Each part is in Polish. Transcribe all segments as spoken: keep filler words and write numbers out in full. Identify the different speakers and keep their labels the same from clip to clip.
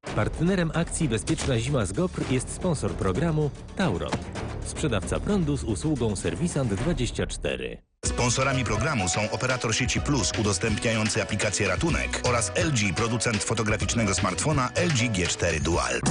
Speaker 1: Partnerem akcji Bezpieczna Zima z Gopr jest sponsor programu Tauron. Sprzedawca prądu z usługą Serwisant dwadzieścia cztery.
Speaker 2: Sponsorami programu są operator sieci Plus udostępniający aplikację Ratunek oraz L G, producent fotograficznego smartfona L G G cztery Dual.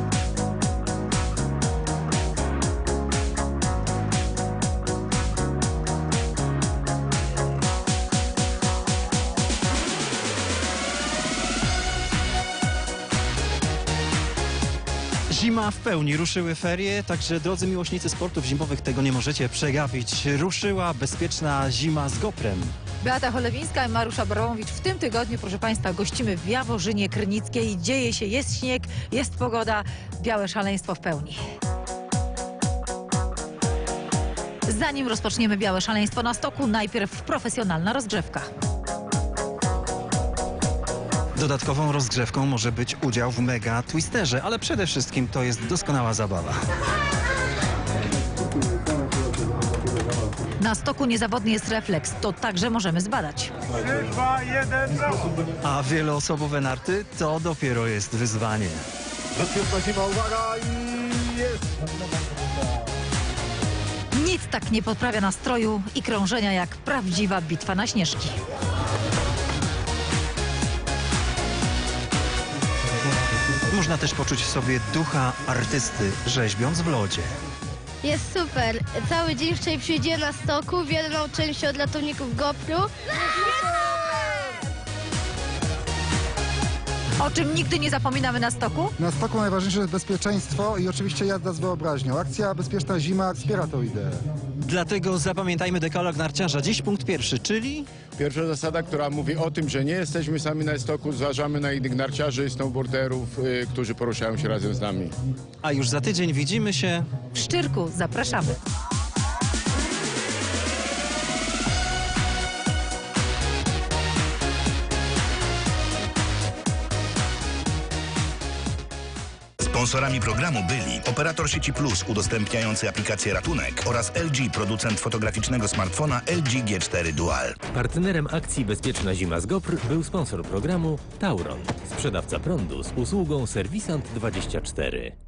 Speaker 3: Zima w pełni, ruszyły ferie, także drodzy miłośnicy sportów zimowych, tego nie możecie przegapić. Ruszyła bezpieczna zima z Goprem.
Speaker 4: Beata Cholewińska i Mariusz Abramowicz. W tym tygodniu, proszę Państwa, gościmy w Jaworzynie Krynickiej. Dzieje się, jest śnieg, jest pogoda, białe szaleństwo w pełni. Zanim rozpoczniemy białe szaleństwo na stoku, najpierw profesjonalna rozgrzewka.
Speaker 3: Dodatkową rozgrzewką może być udział w mega twisterze, ale przede wszystkim to jest doskonała zabawa.
Speaker 4: Na stoku niezawodny jest refleks, to także możemy zbadać.
Speaker 5: trzy, dwa, jeden,
Speaker 3: A wieloosobowe narty to dopiero jest wyzwanie.
Speaker 5: bezpieczna zima, uwaga i jest!
Speaker 4: Nic tak nie podprawia nastroju i krążenia jak prawdziwa bitwa na śnieżki.
Speaker 3: Można też poczuć w sobie ducha artysty, rzeźbiąc w lodzie.
Speaker 6: Jest super. Cały dzień wczoraj przyjdzie na stoku. Wiele nauczyłem się od ratowników Gopru.
Speaker 4: O czym nigdy nie zapominamy na stoku?
Speaker 7: Na stoku najważniejsze jest bezpieczeństwo i oczywiście jazda z wyobraźnią. Akcja Bezpieczna Zima wspiera tę ideę.
Speaker 3: Dlatego zapamiętajmy dekalog narciarza. Dziś punkt pierwszy, czyli...
Speaker 8: Pierwsza zasada, która mówi o tym, że nie jesteśmy sami na stoku, zważamy na innych narciarzy i snowboarderów, y, którzy poruszają się razem z nami.
Speaker 3: A już za tydzień widzimy się...
Speaker 4: W Szczyrku zapraszamy.
Speaker 2: Sponsorami programu byli operator sieci Plus udostępniający aplikację Ratunek oraz L G, producent fotograficznego smartfona L G G cztery Dual.
Speaker 1: Partnerem akcji Bezpieczna Zima z Gopr był sponsor programu Tauron. Sprzedawca prądu z usługą Serwisant dwadzieścia cztery.